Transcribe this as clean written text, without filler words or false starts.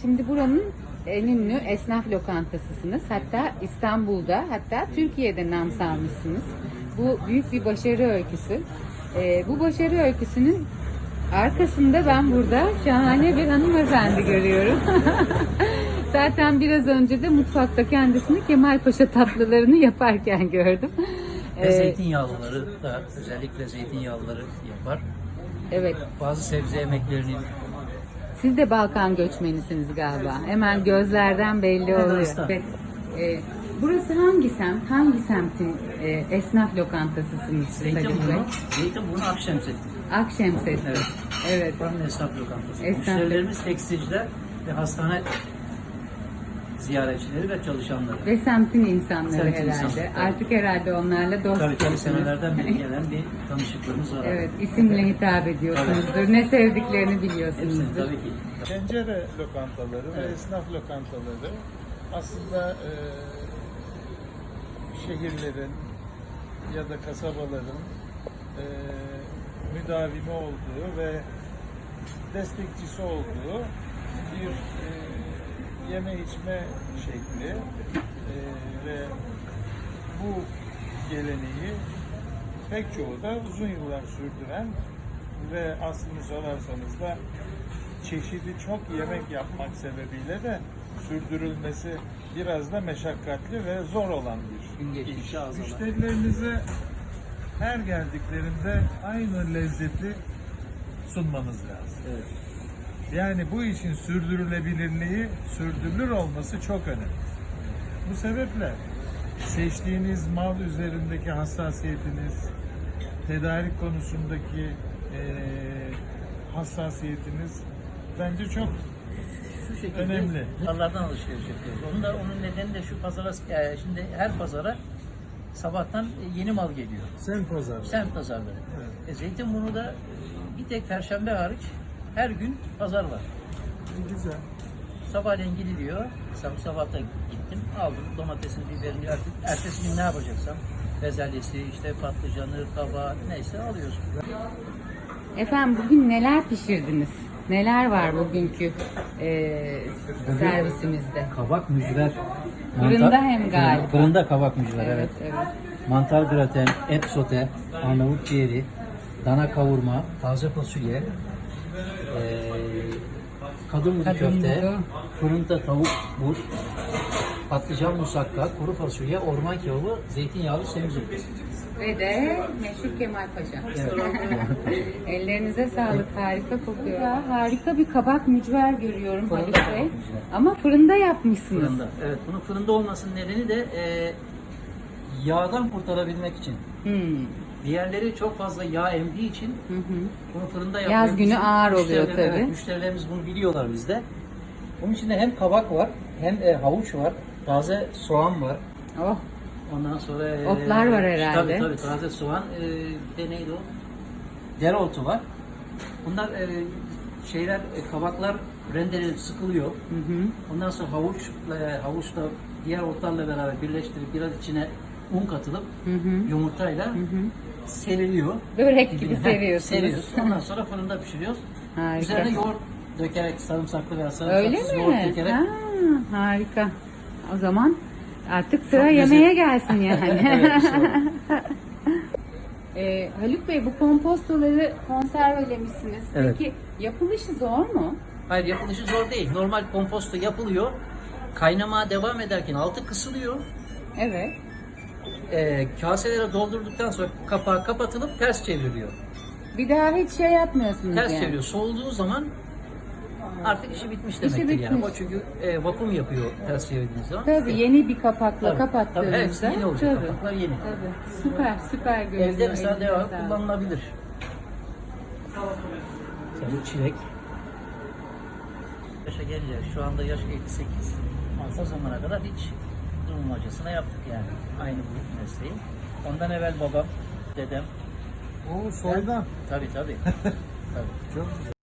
Şimdi buranın en ünlü esnaf lokantasısınız. Hatta İstanbul'da, hatta Türkiye'de nam salmışsınız. Bu büyük bir başarı öyküsü. Bu başarı öyküsünün arkasında ben burada şahane bir hanımefendi görüyorum. Zaten biraz önce de mutfakta kendisini Kemalpaşa tatlılarını yaparken gördüm. Ve zeytinyağlıları da, özellikle zeytinyağlıları yapar. Evet. Bazı sebze yemeklerini. Siz de Balkan göçmenisiniz galiba. Hemen gözlerden belli oluyor. Evet. Burası hangi semt? Hangi semtin esnaf lokantasısınız? Zeytinburnu Akşemset. Akşemset. Evet. Evet. Buranın esnaf lokantası. Esnaf. Müşterilerimiz tekstilciler ve hastane ziyaretçileri ve çalışanları. Ve semtin insanları Semtin herhalde. insanları, tabii. Artık herhalde onlarla Tabii dostsunuz. senelerden beri gelen bir tanışıklığımız var. Evet, isimle hitap ediyorsunuzdur. Ne sevdiklerini biliyorsunuzdur. Hepsini tabii ki. Pencere lokantaları ve esnaf lokantaları aslında şehirlerin ya da kasabaların müdavimi olduğu ve destekçisi olduğu bir yeme içme şekli ve bu geleneği pek çoğu da uzun yıllar sürdüren ve aslını sorarsanız da çeşidi çok yemek yapmak sebebiyle de sürdürülmesi biraz da meşakkatli ve zor olan bir iş. Müşterilerinize her geldiklerinde aynı lezzeti sunmanız lazım. Evet. Yani bu işin sürdürülebilirliği, sürdürülür olması çok önemli. Bu sebeple seçtiğiniz mal üzerindeki hassasiyetiniz, tedarik konusundaki hassasiyetiniz bence çok Şu şekilde önemli. pazarlardan alışveriş yapıyoruz. Onun nedeni de şu pazara, şimdi her pazara sabahtan yeni mal geliyor. Semt pazarı. Semt pazarları. Evet. Zeytinburnu'da bir tek Perşembe hariç her gün pazar var. Güzel. Sabahleyin gidiliyor. Sabah da gittim. Aldım domatesin, biberini. Artık ertesi gün ne yapacaksam bezelyesi, işte patlıcanı, kabağı neyse alıyorsun. Efendim bugün neler pişirdiniz? Neler var bugünkü servisimizde? Kabak mücver. Fırında hem galiba. Fırında kabak mücver, evet. Evet. Mantar graten, et sote, Arnavut ciğeri, dana kavurma, taze fasulye, kadın budu köfte, budu. fırında tavuk bur, patlıcan musakka, kuru fasulye, orman kebabı, zeytinyağlı semizotu. Ve de meşhur Kemalpaşa. Ellerinize sağlık. Harika kokuyor. Ya, harika bir kabak mücver görüyorum Haluk Bey. Ama fırında yapmışsınız. Fırında. Evet, bunun fırında olmasının nedeni de yağdan kurtarabilmek için. Diğerleri çok fazla yağ emdiği için bunu fırında yapmak Yaz günü için ağır oluyor tabii. Evet, müşterilerimiz bunu biliyorlar bizde. Bunun içinde hem kabak var, hem havuç var, taze soğan var. Oh, Ondan sonra otlar var herhalde. Tabii taze soğan. Bir de neydi o? Dereotu var. Bunlar kabaklar rendelenip sıkılıyor. Ondan sonra havuçla diğer otlarla beraber birleştirip biraz içine un katılıp yumurtayla seriliyor. börek gibi Heh, seviyorsunuz. seriyoruz. Ondan sonra fırında pişiriyoruz. Harika. Üzerine yoğurt dökerek, sarımsaklı veya Öyle sarımsaksız mi? yoğurt dökerek. Ha, harika. O zaman artık sıra Çok yemeğe gelsin yani. Evet, işte Haluk Bey, bu kompostoları konservelemişsiniz. Evet. Peki yapılışı zor mu? Hayır, yapılışı zor değil. Normal komposto yapılıyor. Kaynamaya devam ederken altı kısılıyor. Evet. Kaselere doldurduktan sonra kapağı kapatılıp ters çevriliyor. Bir daha hiç şey yapmıyorsunuz Ters yani. çeviriyor. Soğuduğu zaman artık işi bitmiş İşi demektir yani. bitmiş. O çünkü vakum yapıyor ters çevirdiğiniz zaman. Tabii yeni bir kapakla Tabii, kapattığınızda. tabii, hepsi yeni olacak. Tabii. Kapaklar yeni. Tabii. Süper görünüyor. Evde mesela Elinize devamlı sağlık. kullanılabilir. Mesela çilek. Yaşa gelince şu anda yaş 58. O zamana kadar hiç durmacasına yaptık yani. Aynı bu mesleği. Ondan evvel babam, dedem. O soydan. Tabii. Tabii. Çok güzel.